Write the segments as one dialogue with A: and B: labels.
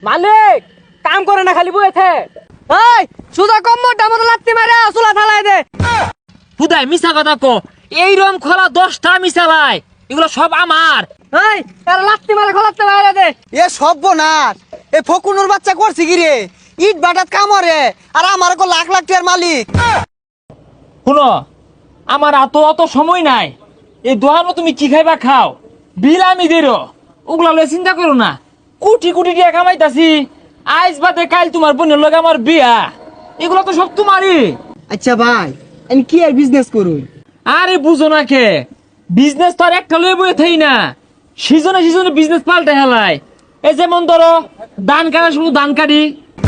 A: মালিক কাম করে না খালি বইতে। এই সুদা কম মোটা মতো লাত্তি মারে চুলা থালাই দে।
B: হুদাই মিছা কথা কো, এই রম খোলা 10টা মিশালাই, এগুলো সব আমার।
A: এই এর লাত্তি মারে খোলাতে বাইরে দে।
C: এ সর্বনাশ, এ ফকুনুর বাচ্চা করছে কি রে? ইট বাটাত কামরে আর আমার কো লাখ লাখ টাকার মালিক।
B: শুনো, আমার অত সময় নাই। এই দোকানও তুমি কি খাইবা খাও, বিল আমি দেরো, ওগুলা লয়ে চিন্তা করো না। কোটি কোটি টাকা কামাইতাছি, আজ বাদে কাল তোমার বোনের লগে আমার বিয়া, এগুলো তো সব তোমারই।
C: আচ্ছা ভাই, আমি কি আর বিজনেস করুই?
B: আরে বুঝো না কে, বিজনেস তো আর একটা লয়ে বয়ে থাই না, সিজনে সিজনে বিজনেস পাল্টে হেলায়। এই যেমন ধরো ধান কাটা, শুধু ধান কাটি।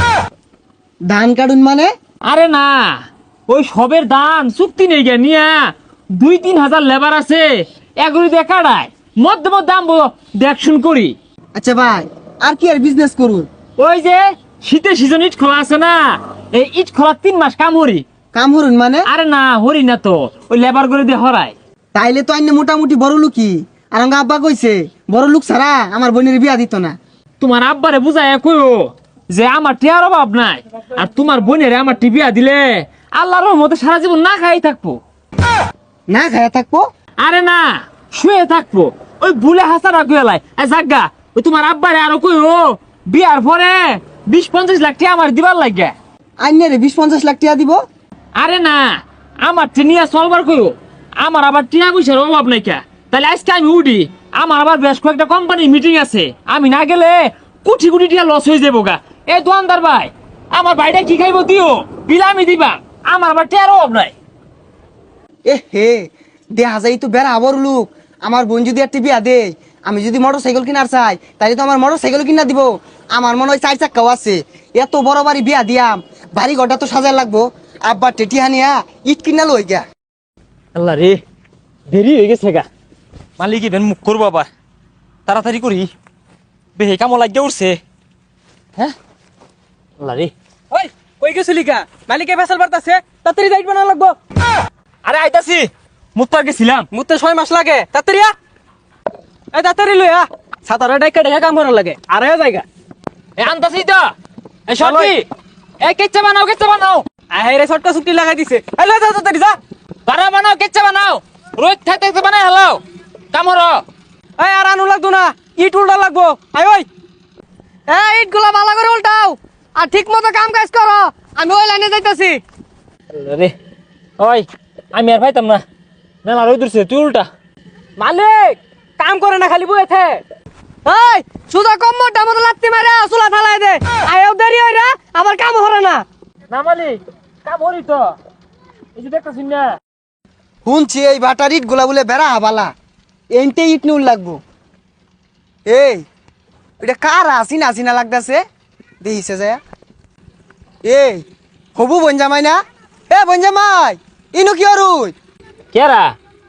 C: ধান কাটুন মানে?
B: আরে না, ওই সবের ধান চুক্তি নেই গে নিয়া 2-3 হাজার লেবার আছে, এগুলি দিয়ে কাটায় মধ্যে মধ্যে আমবো দেখশুন করি।
C: আচ্ছা ভাই, আর কি আর বিজনেস করুন?
B: ওই যে শীতের সিজন ইট খোলা আছে না, এই ইট খোলা 3 মাস কাম হরি।
C: কাম হরুন মানে?
B: আরে না হরি না তো, ওই লেবার করে দিয়ে হরায়।
C: তাইলে তো আইনে মোটামুটি বড় লোকই। আর আমার আব্বা কইছে বড় লোক ছাড়া আমার বোনের বিয়া দিত না।
B: তোমার আব্বারে বুঝায় কইও যে আমার টিয়ার অভাব নাই, আর তোমার বোনের আমার টিবিয়া দিলে আল্লাহর রহমতে সারা জীবন না খাই থাকবো।
C: না খায়া থাকবো?
B: আরে না, শুয়ে থাকবো। ওই ভুলে হাসারা কইলাই জাগা, ওই তোমার আব্বারে আরো কইও বিয়ার পরে 20-50 লাখ টাকা আমার দিবার লাগে।
C: আইনে রে 20-50 লাখ টাকা দিব?
B: আরে না, আমার নিয়ে চলবার কইও, আমার আবার টিয়া পয়সার অভাব নাই কে। তাহলে আজকে আমি উঠি, আমার আবার বেশ কয়েকটা কোম্পানির মিটিং আছে, আমি না গেলে কোটি কোটি টাকা লস হয়ে যাবো গা। এই দোকানদার ভাই, আমার ভাইটা কি খাইবো দিও, বিল আমি দিবা, আমার আবার টিয়ার অভাব নাই।
C: এ হে, দেখা যায় তো বেড়া বড় লোক। আমার বোন যদি একটা বিয়া দেয়, আমি যদি মোটর সাইকেল কিনার চাই, তাহলে তো আমার মোটর সাইকেল কিনা দিব। আমার মনে হয় 4 চাক্কাও আছে। এত বড় বাড়ি বিয়া দিয়াম, বাড়ি ঘরটা তো সাজায় লাগবো। আব্বা টেটি হানিয়া ইট কিনা লই গা।
B: আল্লাহ রে, দেরি হয়ে গেছে গা। মালিক ইভেন মুখ করবো আবার, তাড়াতাড়ি করি, বেহে কামো লাগিয়ে উঠছে। হ্যাঁ আল্লাহ রে।
A: ওই কই গেছিলি কা? মালিকে ফেসাল বাড়তাছে, তাড়াতাড়ি যাইব না লাগবো।
B: আরে আইতাছি, মুখ তো আর গেছিলাম।
A: মুতে 6 মাস লাগে, তাড়াতাড়ি আ। এই তাড়াতাড়ি লই আ, সাতারে ডাইকা ডাইকা কাম করার লাগে। আরে জায়গা
B: এ আনতাছি তো, এই সরবি, এই কেচ্চা বানাও, কেচ্চা বানাও।
A: আহে রে শর্টটা ছুটি লাগাই দিছে। এই লই যা তাড়াতাড়ি যা।
B: বানা বানাও, কেচ্চা বানাও, রোজ থাকতে থাকতে বানাই হলো কাম হলো।
A: এই আর আনু লাগতো না, ইট উল্টা লাগবো। আই ওই এই ইট গুলা ভালো করে উল্টাও, আর ঠিক মতো কাম কাজ করো। আমি ওই লাইনে যাইতাছি।
B: রে ওই, আমি আর পাইতাম না, মেলা রোদ উঠছে, তুই উল্টা।
A: মালিক কাম করে না খালি বইতে। এই সুদা কম মোটা মতো লাত্তি মারে চুলা থালাই দে। আয়ও দেরি হই রে, আমার কাম হরে না।
B: না মালিক, কাম হরি তো, এই যে দেখতেছি না।
C: শুনছি এই বাটার ইট গুলা বলে বেড়া বালা, এনতে ইট নুল লাগবো। এই এটা কার আসিনা আসিনা লাগতেছে, দেখিছে যায়। এই হবু বঞ্জামাই না? এ বঞ্জামাই, ইনু কি অরুই?
B: কেরা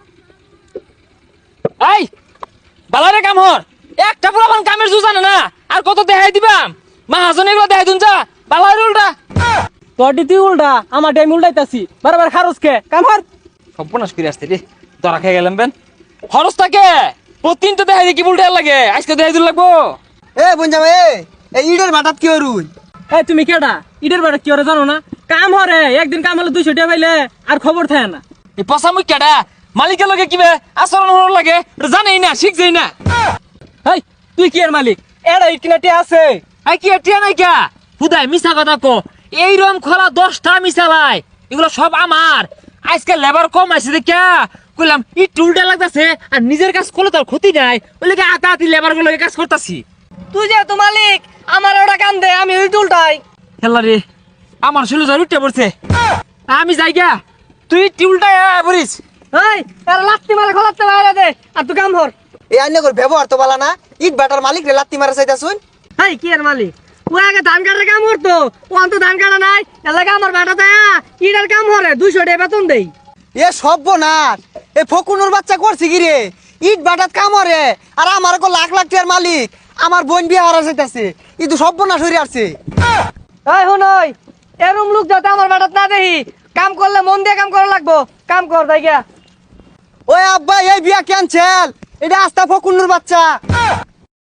B: এই বালারে কাম হর, একটা পুরান কামের জু জানে না, আর কত দেখাই দিবাম। মাহাজন এগুলো দেখাই দুন যা, বালারে উল্টা।
A: তোর দিতি উল্টা, আমার টাইম উল্টাইতাছি। বারবার খারস কে কাম হর।
B: সর্বনাশ করে আসতে রে, ধরা খেয়ে গেলাম বেন। খরচ থাকে প্রতিদিন তো দেখাই দিয়ে কি উল্টা লাগে, আজকে দেখাই দিন লাগবো।
C: এ বঞ্জামাই, এই ইটের বাটাত কি অরুই?
A: এই তুমি কেডা? ইটের বাড়ি কি হরে জানো না? কাম হরে, একদিন কাম হলে 200 টাকা পাইলে আর খবর থাকে না।
B: এই পচা মুখ কেডা মালিকের লগে কিবে আচরণ হওয়ার লাগে জানেই না, শিখছেই না।
A: এই তুই কি এর মালিক? এড়া ইট কিনাটি আছে।
B: আই কি এটিয়া নাই কা, হুদাই মিছা কথা কো, এই রম খোলা 10টা মিশালাই, এগুলো সব আমার। আজকে লেবার কম আছে দেখা কইলাম ইট উল্টা লাগতাছে, আর নিজের কাজ করলে তার ক্ষতি নাই, ওই লাগে আতাহাতি লেবার গুলোকে কাজ করতাছি।
A: তুই যেহেতু মালিক, আমার ওটা কাম দে, আমি ইট উল্টাই।
B: খেলা রে, আমার ছেলে জ্বর উঠতে পড়ছে, আমি যাই গা, তুই টিউলটাই বলিস।
A: এই এর লাত্তি মারে খোলাতে বাইরে দে, আর তুই কাম হর।
C: এই আইনে করে ব্যবহার তো বালা না। ইট বাটার মালিক রে লাত্তি মারা চাইতা শুন।
A: এই কি এর মালিক? ও আগে ধান কাটার কাম করতো, ও অন্ত ধান কাটা নাই, এলাকা আমার বাটা দেয়া ইটার কাম হরে 200 টাকা বেতন দেই।
C: এ সর্বনাশ, এ ফকুনুর বাচ্চা করছে কি রে? ইট বাটাত কামরে আর আমার কো লাখ লাখ টাকার মালিক, আমার বোন বিয়া হারা যাইতাছে। ই তো সর্বনাশ হইরে আসছে।
A: এই হুনই, এরম লোক যাতে আমার বাটাত না দেহি, কাম করলে মন দিয়ে কাম করা লাগবো। কাম কর যাই গা।
C: ওই আব্বা, এই বিয়া ক্যান্সেল। এটা আস্তা ফকুনুর বাচ্চা।